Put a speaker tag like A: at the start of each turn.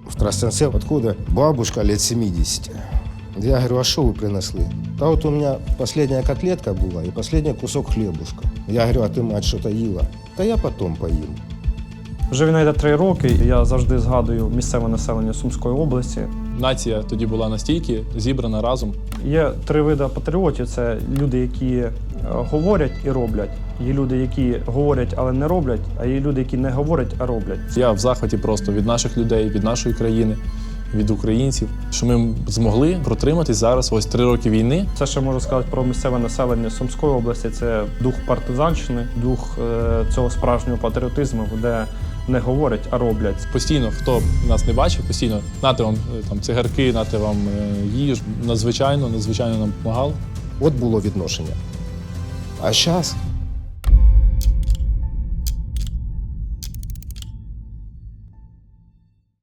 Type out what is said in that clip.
A: в Тростянце откуда бабушка лет 70. Я говорю, а что вы принесли? Да вот у меня последняя котлетка была и последний кусок хлебушка. Я говорю, а ты, мать, что-то їла? Та я потом поїм.
B: Вже війна йде 3 роки, і я завжди згадую місцеве населення Сумської області.
C: Нація тоді була настільки зібрана разом.
B: Є 3 види патріотів. Це люди, які говорять і роблять. Є люди, які говорять, але не роблять, а є люди, які не говорять, а роблять.
C: Я в захваті просто від наших людей, від нашої країни, від українців, що ми змогли протриматись зараз ось 3 роки війни.
B: Це, що можу сказати про місцеве населення Сумської області, це дух партизанщини, дух цього справжнього патріотизму, де не говорять, а роблять.
C: Постійно, хто нас не бачив, постійно нате вам там цигарки, нате вам їж. Надзвичайно нам допомагало.
A: От було відношення. А зараз